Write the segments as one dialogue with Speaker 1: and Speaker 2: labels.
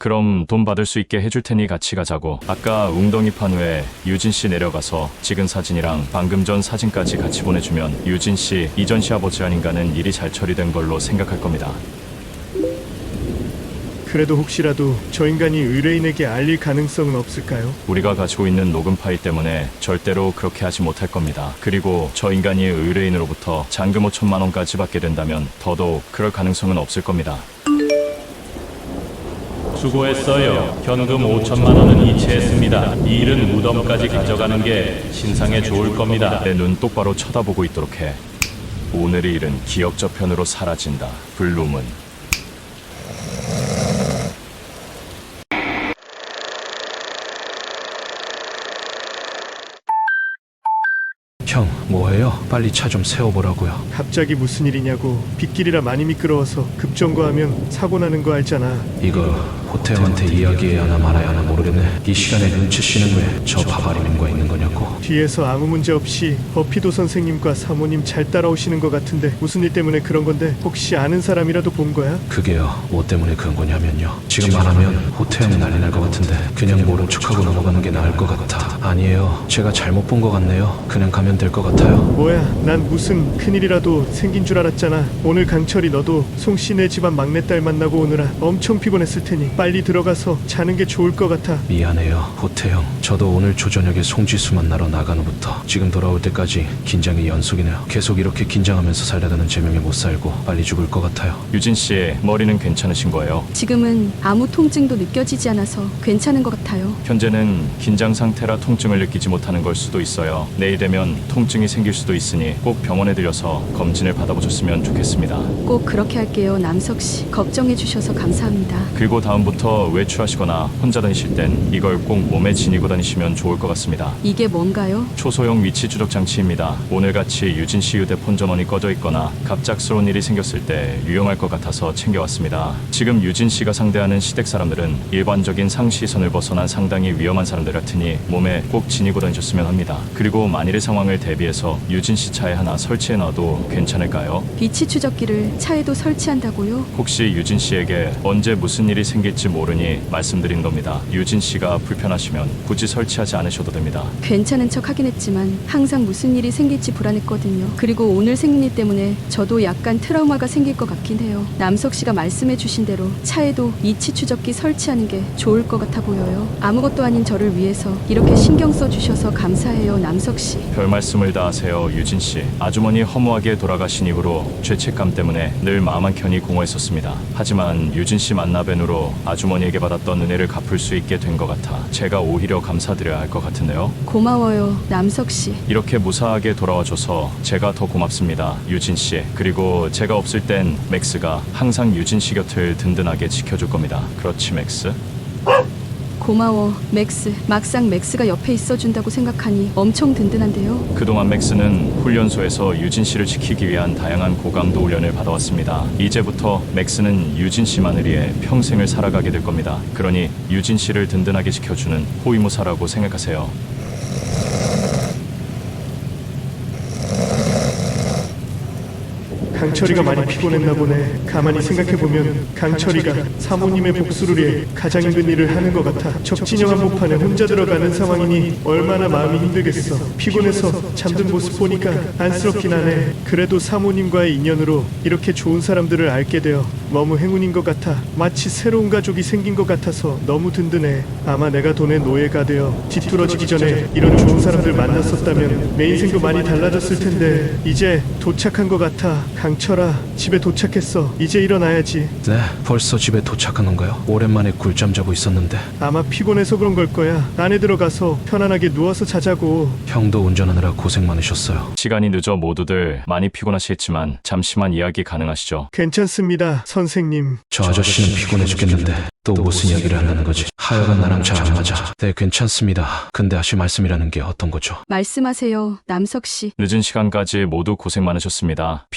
Speaker 1: 그럼 돈 받을 수 있게 해줄 테니 같이 가자고. 아까 웅덩이 판 후에 유진 씨 내려가서 찍은 사진이랑 방금 전 사진까지 같이 보내주면 유진 씨 이전 시아버지 아닌가는 일이 잘 처리된 걸로 생각할 겁니다.
Speaker 2: 그래도 혹시라도 저 인간이 의뢰인에게 알릴 가능성은 없을까요?
Speaker 1: 우리가 가지고 있는 녹음 파일 때문에 절대로 그렇게 하지 못할 겁니다. 그리고 저 인간이 의뢰인으로부터 잔금 5천만 원까지 받게 된다면 더더욱 그럴 가능성은 없을 겁니다.
Speaker 3: 수고했어요. 현금 5천만 원은 이체했습니다. 이 일은 무덤까지 가져가는 게 신상에 좋을 겁니다.
Speaker 1: 내 눈 똑바로 쳐다보고 있도록 해. 오늘의 일은 기억 저편으로 사라진다. 블루문.
Speaker 4: 형, 뭐해요? 빨리 차 좀 세워보라고요.
Speaker 2: 갑자기 무슨 일이냐고. 빗길이라 많이 미끄러워서 급정거하면 사고 나는 거 알잖아.
Speaker 4: 이거 호태형한테 이야기해야 하나 말아야 하나 모르겠네. 이 시간에 눈치 씨는 왜 저 바바리님과 있는 거냐고.
Speaker 2: 뒤에서 아무 문제 없이 버피도 선생님과 사모님 잘 따라오시는 것 같은데 무슨 일 때문에 그런 건데 혹시 아는 사람이라도 본 거야?
Speaker 4: 그게요, 뭐 때문에 그런 거냐면요. 지금 말하면 호태형 난리 날 것 같은데 그냥 모른 척하고 넘어가는 게 나을 것 같아. 아니에요, 제가 잘못 본 것 같네요. 그냥 가면 될 것 같아요.
Speaker 2: 뭐야, 난 무슨 큰일이라도 생긴 줄 알았잖아. 오늘 강철이 너도 송씨네 집안 막내딸 만나고 오느라 엄청 피곤했을 테니 빨리 들어가서 자는 게 좋을 것 같아.
Speaker 4: 미안해요, 호태형. 저도 오늘 조저녁에 송지수 만나러 나간 후부터 지금 돌아올 때까지 긴장이 연속이네요. 계속 이렇게 긴장하면서 살다가는 제명에 못 살고 빨리 죽을 것 같아요.
Speaker 1: 유진 씨 머리는 괜찮으신 거예요?
Speaker 5: 지금은 아무 통증도 느껴지지 않아서 괜찮은 것 같아요.
Speaker 1: 현재는 긴장 상태라 통증을 느끼지 못하는 걸 수도 있어요. 내일 되면 통증이 생길 수도 있으니 꼭 병원에 들려서 검진을 받아보셨으면 좋겠습니다.
Speaker 5: 꼭 그렇게 할게요, 남석 씨. 걱정해 주셔서 감사합니다.
Speaker 1: 그리고 다음부터 외출하시거나 혼자 다니실 땐 이걸 꼭 몸에 지니고 다니시면 좋을 것 같습니다.
Speaker 5: 이게 뭔가요?
Speaker 1: 초소형 위치 추적 장치입니다. 오늘같이 유진 씨 휴대폰 전원이 꺼져 있거나 갑작스러운 일이 생겼을 때 유용할 것 같아서 챙겨왔습니다. 지금 유진 씨가 상대하는 시댁 사람들은 일반적인 상시선을 벗어난 상당히 위험한 사람들 같으니 몸에 꼭 지니고 다니셨으면 합니다. 그리고 만일의 상황을 대비해서 유진 씨 차에 하나 설치해 놔도 괜찮을까요?
Speaker 5: 위치 추적기를 차에도 설치한다고요?
Speaker 1: 혹시 유진 씨에게 언제 무슨 일이 생길지 모르니 말씀드린 겁니다. 유진 씨가 불편하시면 굳이 설치하지 않으셔도 됩니다.
Speaker 5: 괜찮은 척 하긴 했지만 항상 무슨 일이 생길지 불안했거든요. 그리고 오늘 생긴 일 때문에 저도 약간 트라우마가 생길 것 같긴 해요. 남석 씨가 말씀해 주신 대로 차에도 위치 추적기 설치하는 게 좋을 것 같아 보여요. 아무것도 아닌 저를 위해서 이렇게 신경 써 주셔서 감사해요, 남석 씨.
Speaker 1: 별 말씀을 다 하세요, 유진 씨. 아주머니 허무하게 돌아가신 이후로 죄책감 때문에 늘 마음 한켠이 공허했었습니다. 하지만 유진 씨 만나 뵌으로 아주머니에게 받았던 은혜를 갚을 수 있게 된 것 같아 제가 오히려 감사드려야 할 것 같은데요.
Speaker 5: 고마워요, 남석 씨.
Speaker 1: 이렇게 무사하게 돌아와줘서 제가 더 고맙습니다, 유진 씨. 그리고 제가 없을 땐 맥스가 항상 유진 씨 곁을 든든하게 지켜줄 겁니다. 그렇지, 맥스?
Speaker 5: 고마워, 맥스. 막상 맥스가 옆에 있어준다고 생각하니 엄청 든든한데요.
Speaker 1: 그동안 맥스는 훈련소에서 유진 씨를 지키기 위한 다양한 고강도 훈련을 받아왔습니다. 이제부터 맥스는 유진 씨만을 위해 평생을 살아가게 될 겁니다. 그러니 유진 씨를 든든하게 지켜주는 호위무사라고 생각하세요.
Speaker 2: 강철이가 많이 피곤했나 보네. 가만히 생각해보면 강철이가 사모님의 복수를 위해 가장 힘든 일을 하는 것 같아. 적진영 한복판에 혼자 들어가는 상황이니 얼마나 마음이 힘들겠어. 피곤해서 잠든 모습 보니까 안쓰럽긴 하네. 그래도 사모님과의 인연으로 이렇게 좋은 사람들을 알게 되어 너무 행운인 것 같아. 마치 새로운 가족이 생긴 것 같아서 너무 든든해. 아마 내가 돈의 노예가 되어 뒤뚤어지기 전에 이런 좋은 사람들 만났었다면 내 인생도 많이 달라졌을 텐데 이제 도착한 것 같아. 강철아, 집에 도착했어. 이제 일어나야지.
Speaker 4: 네, 벌써 집에 도착한 건가요? 오랜만에 꿀잠 자고 있었는데.
Speaker 2: 아마 피곤해서 그런 걸 거야. 안에 들어가서 편안하게 누워서 자자고.
Speaker 4: 형도 운전하느라 고생 많으셨어요.
Speaker 1: 시간이 늦어 모두들 많이 피곤하시겠지만 잠시만 이야기 가능하시죠?
Speaker 2: 괜찮습니다, 선생님.
Speaker 4: 저 아저씨는 피곤해 죽겠는데 또 무슨 이야기를 하려는 거지? 하여간 나랑 잘 안 맞아. 네, 괜찮습니다. 근데 하실 말씀이라는 게 어떤 거죠?
Speaker 5: 말씀하세요, 남석 씨.
Speaker 1: 늦은 시간까지 모두 고생 많으셨습니다. 피곤하시겠지만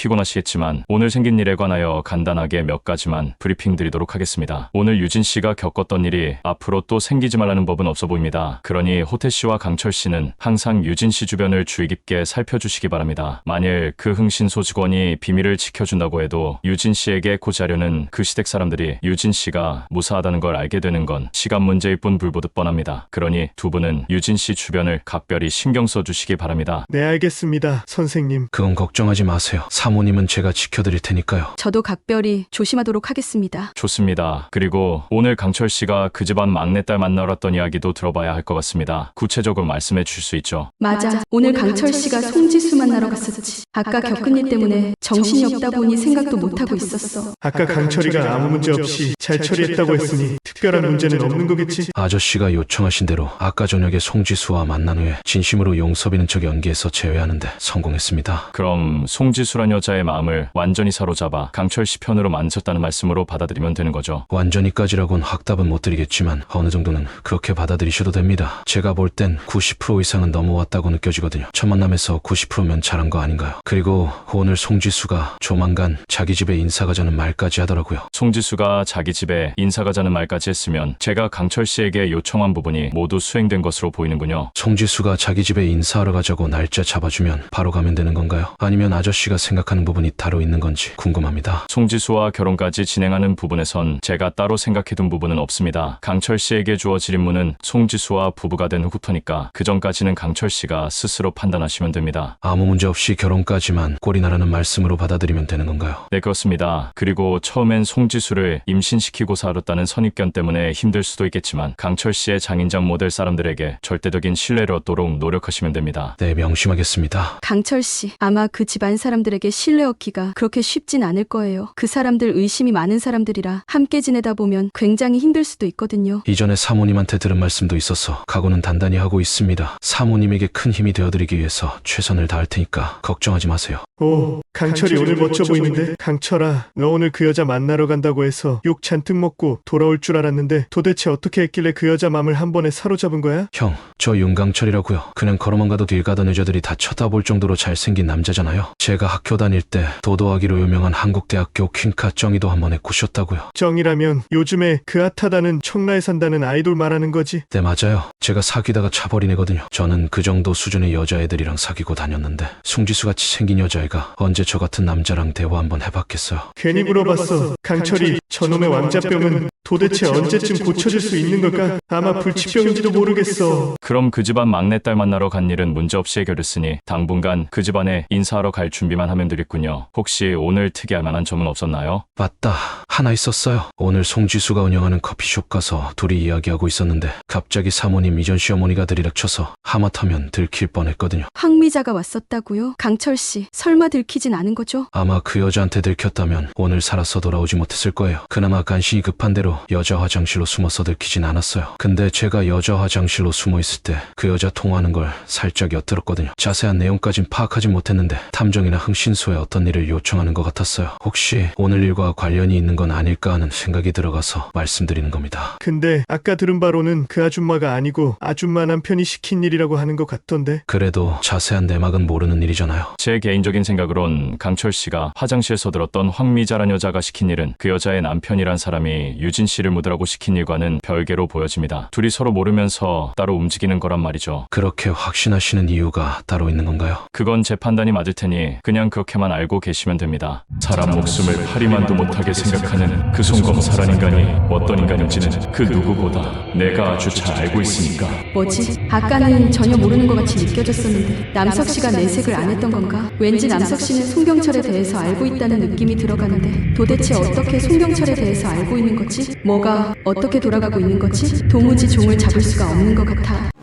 Speaker 1: 모르겠지만 오늘 생긴 일에 관하여 간단하게 몇 가지만 브리핑 드리도록 하겠습니다. 오늘 유진 씨가 겪었던 일이 앞으로 또 생기지 말라는 법은 없어 보입니다. 그러니 호태 씨와 강철 씨는 항상 유진 씨 주변을 주의 깊게 살펴주시기 바랍니다. 만일 그 흥신소 직원이 비밀을 지켜준다고 해도 유진 씨에게 고지하려는 그 시댁 사람들이 유진 씨가 무사하다는 걸 알게 되는 건 시간 문제일 뿐 불보듯 뻔합니다. 그러니 두 분은 유진 씨 주변을 각별히 신경 써주시기 바랍니다.
Speaker 2: 네, 알겠습니다, 선생님.
Speaker 4: 그건 걱정하지 마세요. 사모님은 제가 지켜드릴 테니까요.
Speaker 5: 저도 각별히 조심하도록 하겠습니다.
Speaker 1: 좋습니다. 그리고 오늘 강철 씨가 그 집안 막내딸 만나러 왔던 이야기도 들어봐야 할 것 같습니다. 구체적으로 말씀해 주실 수 있죠?
Speaker 5: 맞아. 오늘 강철 씨가 송지수 만나러 갔었지. 아까 겪은 일 때문에 정신이 없다 보니 생각도 못하고 있었어.
Speaker 2: 아까 강철이가 아무 문제 없이 잘 처리했다고 했으니 특별한 문제는 없는 거겠지?
Speaker 4: 아저씨가 요청하신 대로 아까 저녁에 송지수와 만난 후에 진심으로 용서비는 척 연기해서 제외하는데 성공했습니다.
Speaker 1: 그럼 송지수란 여자의 마음을 완전히 사로잡아 강철 씨 편으로 만졌다는 말씀으로 받아들이면 되는 거죠.
Speaker 4: 완전히까지라곤 확답은 못 드리겠지만 어느 정도는 그렇게 받아들이셔도 됩니다. 제가 볼 땐 90% 이상은 넘어왔다고 느껴지거든요. 첫 만남에서 90%면 잘한 거 아닌가요? 그리고 오늘 송지수가 조만간 자기 집에 인사 가자는 말까지 하더라고요.
Speaker 1: 송지수가 자기 집에 인사 가자는 말까지 했으면 제가 강철 씨에게 요청한 부분이 모두 수행된 것으로 보이는군요.
Speaker 4: 송지수가 자기 집에 인사하러 가자고 날짜 잡아주면 바로 가면 되는 건가요? 아니면 아저씨가 생각하는 부분이 따로 있는 건지 궁금합니다.
Speaker 1: 송지수와 결혼까지 진행하는 부분에선 제가 따로 생각해둔 부분은 없습니다. 강철 씨에게 주어질 임무는 송지수와 부부가 된 후부터니까 그 전까지는 강철 씨가 스스로 판단하시면 됩니다.
Speaker 4: 아무 문제 없이 결혼까지만 꼴이 나라는 말씀으로 받아들이면 되는 건가요?
Speaker 1: 네, 그렇습니다. 그리고 처음엔 송지수를 임신시키고 살았다는 선입견 때문에 힘들 수도 있겠지만 강철 씨의 장인장 모델 사람들에게 절대적인 신뢰를 얻도록 노력하시면 됩니다.
Speaker 4: 네, 명심하겠습니다.
Speaker 5: 강철 씨, 아마 그 집안 사람들에게 신뢰 얻기가 그렇게 쉽진 않을 거예요. 그 사람들 의심이 많은 사람들이라 함께 지내다 보면 굉장히 힘들 수도 있거든요.
Speaker 4: 이전에 사모님한테 들은 말씀도 있어서 각오는 단단히 하고 있습니다. 사모님에게 큰 힘이 되어드리기 위해서 최선을 다할 테니까 걱정하지 마세요.
Speaker 2: 오, 강철이 오늘 멋져 보이는데? 강철아, 너 오늘 그 여자 만나러 간다고 해서 욕 잔뜩 먹고 돌아올 줄 알았는데 도대체 어떻게 했길래 그 여자 맘을 한 번에 사로잡은 거야?
Speaker 4: 형, 저 윤강철이라고요. 그냥 걸어만 가도 길 가던 여자들이 다 쳐다볼 정도로 잘생긴 남자잖아요. 제가 학교 다닐 때 도도하기로 유명한 한국대학교 퀸카 정의도 한 번에 꼬셨다고요.
Speaker 2: 정이라면 요즘에 그 핫하다는 청라에 산다는 아이돌 말하는 거지?
Speaker 4: 네, 맞아요. 제가 사귀다가 차버린 애거든요. 저는 그 정도 수준의 여자애들이랑 사귀고 다녔는데 송지수같이 생긴 여자애가 언제 저 같은 남자랑 대화 한번 해봤겠어요.
Speaker 2: 괜히 물어봤어. 강철이, 저놈의 왕자병은 도대체 언제쯤 고쳐질 수 있는 걸까? 아마 불치병인지도 모르겠어.
Speaker 1: 그럼 그 집안 막내딸 만나러 간 일은 문제없이 해결됐으니 당분간 그 집안에 인사하러 갈 준비만 하면 되겠군요. 혹시 오늘 특이할 만한 점은 없었나요?
Speaker 4: 맞다. 하나 있었어요. 오늘 송지수가 운영하는 커피숍 가서 둘이 이야기하고 있었는데 갑자기 사모님 이전 시어머니가 들이닥쳐서 하마터면 들킬 뻔했거든요.
Speaker 5: 황미자가 왔었다고요? 강철 씨, 설마 들키진 않은 거죠?
Speaker 4: 아마 그 여자한테 들켰다면 오늘 살아서 돌아오지 못했을 거예요. 그나마 간신히 급한 대로 여자 화장실로 숨어서 들키진 않았어요. 근데 제가 여자 화장실로 숨어 있을 때 그 여자 통화하는 걸 살짝 엿들었거든요. 자세한 내용까진 파악하진 못했는데 탐정이나 흥신소에 어떤 일을 요청하는 것 같았어요. 혹시 오늘 일과 관련이 있는 건 아닐까 하는 생각이 들어가서 말씀드리는 겁니다.
Speaker 2: 근데 아까 들은 바로는 그 아줌마가 아니고 아줌마 남편이 시킨 일이라고 하는 것 같던데?
Speaker 4: 그래도 자세한 내막은 모르는 일이잖아요.
Speaker 1: 제 개인적인 생각으론 강철 씨가 화장실에서 들었던 황미자란 여자가 시킨 일은 그 여자의 남편이란 사람이 유진 씨를 묻으라고 시킨 일과는 별개로 보여집니다. 둘이 서로 모르면서 따로 움직이는 거란 말이죠.
Speaker 4: 그렇게 확신하시는 이유가 따로 있는 건가요?
Speaker 1: 그건 제 판단이 맞을 테니 그냥 그렇게만 알고 계시면 됩니다. 사람 목숨을 파리만도 못하게 생각하는 그 송검사란 인간이 어떤 인간인지는 그 누구보다 내가 아주 잘 알고 있으니까.
Speaker 5: 뭐지? 아까는 전혀 모르는 것 같이 느껴졌었는데 남석 씨가 내색을 안 했던 건가? 왠지 남석 씨는 송경철에 대해서 알고 있다는 느낌이 들어가는데 도대체 어떻게 송경철에 대해서 알고 있는 거지? 뭐가 어떻게 돌아가고 있는 거지? 도무지 종을 잡을 수가 없는 것 같아.